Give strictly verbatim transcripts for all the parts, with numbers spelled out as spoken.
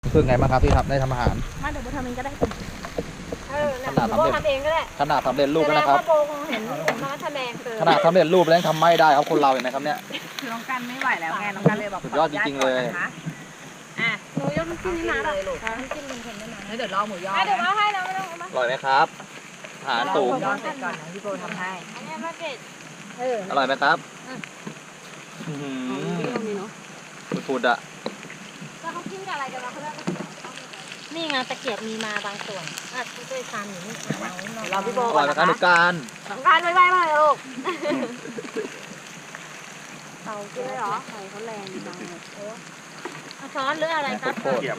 คือไงบ้างครับพี่ครับได้ทำอาหารมาเดี๋ยวโบทำเองก็ได้เออขนาดโบทำเร็จทำเองก็ได้ขนาดสำเร็จรูปแล้วนะครับแสดงว่าโบคงเห็นผมมาทำแรงเกินขนาดสำเร็จรูปแล้วยังทำไม่ได้ครับคนเราเห็นไหมครับเนี่ยคือน้องกันไม่ไหวแล้วไงน้องกันเลยบอกสุดยอดจริงๆเลยอ่ะหนูยกน้ำจิ้มนี่มาเลยลูกน้ำจิ้มเป็นคนไม่มาแล้วเดี๋ยวรอหมูยอเดี๋ยวมาให้นะไม่ต้องเอามาอร่อยไหมครับอาหารสูงยอเสร็จก่อนนะพี่โบทำให้อันนี้มาเก็ตเอออร่อยไหมครับอื้อหือฟูดๆอ่ะแล้วเขากินกับอะไรกันวะเขาเรียกนี่ไงตะเกียบมีมาบางส่วนอ่ะช่วยทานอยู่นี่เอารอพี่โบอก่ร่ออน ยไหมนะครับหนูการสำคัญไว้ไว้มาเลยลูกเตาเกลือเหรอไฟเขาแรงจังเลยเอาช้อนหรืออะไรครับโคตร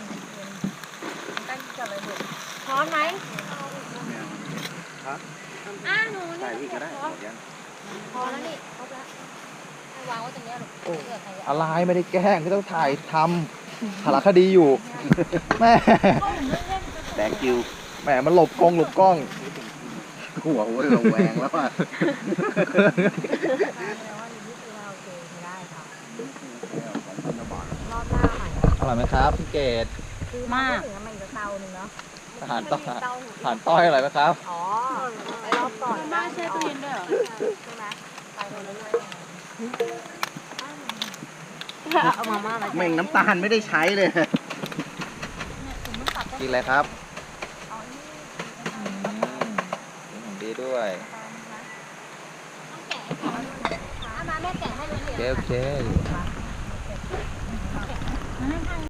ช้อนไหมอ่าหนูนี่พอแล้วนี่ครบแล้วให้วางไว้ตรงนี้ลูกเลือกใครอะไรไม่ได้แกล้งที่ต้องถ่ายทำสารคดีอยู่แม่แดกคิวแหมมันหลบกล้องหลบกล้องหัวหัวระแวงแล้วอ่ะ อร่อยไหมครับพี่เกดมากถึงมันจะเตาหนึ่งเนาะอาหารต้อยอาหารต้อยอร่อยไหมครับอ๋อไปรอบก่อนบ้านแช่ตู้เย็นด้วยเหรอใช่ไหมไปคนละเรื่องเอามาม่าอะไรแม่งน้ำตาลไม่ได้ใช้เลยกินอะไรครับอืมดีด้วยแกะเอามาแม่แกะให้เลยโอเคโอเค